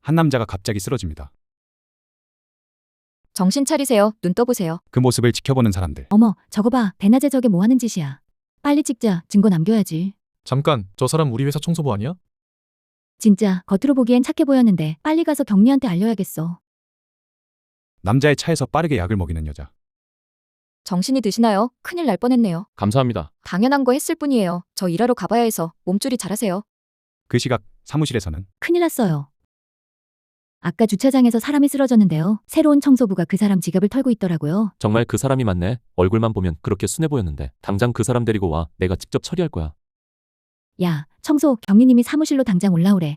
한 남자가 갑자기 쓰러집니다. 정신 차리세요. 눈 떠보세요. 그 모습을 지켜보는 사람들. 어머, 저거 봐. 대낮에 저게 뭐 하는 짓이야. 빨리 찍자. 증거 남겨야지. 잠깐, 저 사람 우리 회사 청소부 아니야? 진짜 겉으로 보기엔 착해 보였는데 빨리 가서 경리한테 알려야겠어. 남자의 차에서 빠르게 약을 먹이는 여자. 정신이 드시나요? 큰일 날 뻔했네요. 감사합니다. 당연한 거 했을 뿐이에요. 저 일하러 가봐야 해서 몸조리 잘하세요. 그 시각 사무실에서는 큰일 났어요. 아까 주차장에서 사람이 쓰러졌는데요. 새로운 청소부가 그 사람 지갑을 털고 있더라고요. 정말 그 사람이 맞네. 얼굴만 보면 그렇게 순해 보였는데. 당장 그 사람 데리고 와. 내가 직접 처리할 거야. 야, 청소 경리님이 사무실로 당장 올라오래.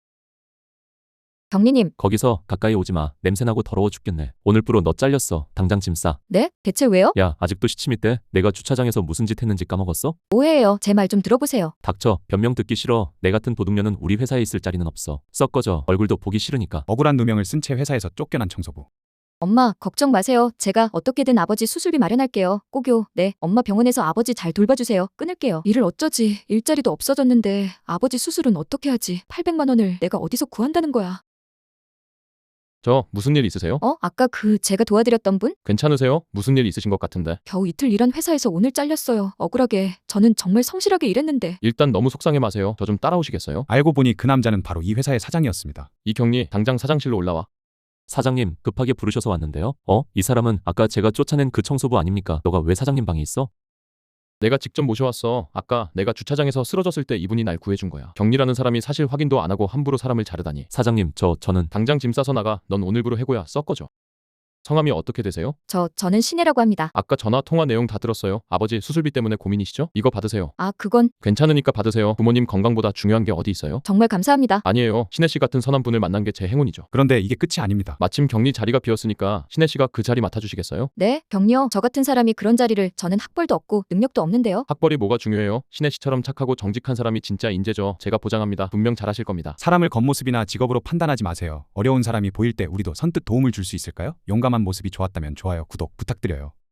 경리님, 거기서 가까이 오지 마. 냄새나고 더러워 죽겠네. 오늘부로 너 잘렸어. 당장 짐 싸. 네? 대체 왜요? 야, 아직도 시침이 때? 내가 주차장에서 무슨 짓 했는지 까먹었어? 오해예요. 제 말 좀 들어보세요. 닥쳐. 변명 듣기 싫어. 내 같은 도둑년은 우리 회사에 있을 자리는 없어. 썩 꺼져. 얼굴도 보기 싫으니까. 억울한 누명을 쓴 채 회사에서 쫓겨난 청소부. 엄마, 걱정 마세요. 제가 어떻게든 아버지 수술비 마련할게요. 꼭요. 네, 엄마 병원에서 아버지 잘 돌봐주세요. 끊을게요. 일을 어쩌지? 일자리도 없어졌는데 아버지 수술은 어떻게 하지? 800만 원을 내가 어디서 구한다는 거야? 저 무슨 일 있으세요? 아까 제가 도와드렸던 분? 괜찮으세요? 무슨 일 있으신 것 같은데. 겨우 이틀 일한 회사에서 오늘 잘렸어요. 억울하게. 저는 정말 성실하게 일했는데. 일단 너무 속상해 마세요. 저 좀 따라오시겠어요? 알고 보니 그 남자는 바로 이 회사의 사장이었습니다. 이경리, 당장 사장실로 올라와. 사장님, 급하게 부르셔서 왔는데요. 이 사람은 아까 제가 쫓아낸 그 청소부 아닙니까? 너가 왜 사장님 방에 있어? 내가 직접 모셔왔어. 아까 내가 주차장에서 쓰러졌을 때 이분이 날 구해준 거야. 경리라는 사람이 사실 확인도 안 하고 함부로 사람을 자르다니. 사장님, 저는 당장 짐 싸서 나가. 넌 오늘부로 해고야. 썩 꺼져. 성함이 어떻게 되세요? 저는 신혜라고 합니다. 아까 전화 통화 내용 다 들었어요. 아버지 수술비 때문에 고민이시죠? 이거 받으세요. 그건 괜찮으니까 받으세요. 부모님 건강보다 중요한 게 어디 있어요? 정말 감사합니다. 아니에요. 신혜 씨 같은 선한 분을 만난 게 제 행운이죠. 그런데 이게 끝이 아닙니다. 마침 격리 자리가 비었으니까 신혜 씨가 그 자리 맡아주시겠어요? 네, 경리요. 저 같은 사람이 그런 자리를 저는 학벌도 없고 능력도 없는데요. 학벌이 뭐가 중요해요? 신혜 씨처럼 착하고 정직한 사람이 진짜 인재죠. 제가 보장합니다. 분명 잘하실 겁니다. 사람을 겉모습이나 직업으로 판단하지 마세요. 어려운 사람이 보일 때 우리도 선뜻 도움을 줄 수 있을까요? 용감한 모습이 좋았다면 좋아요, 구독 부탁드려요.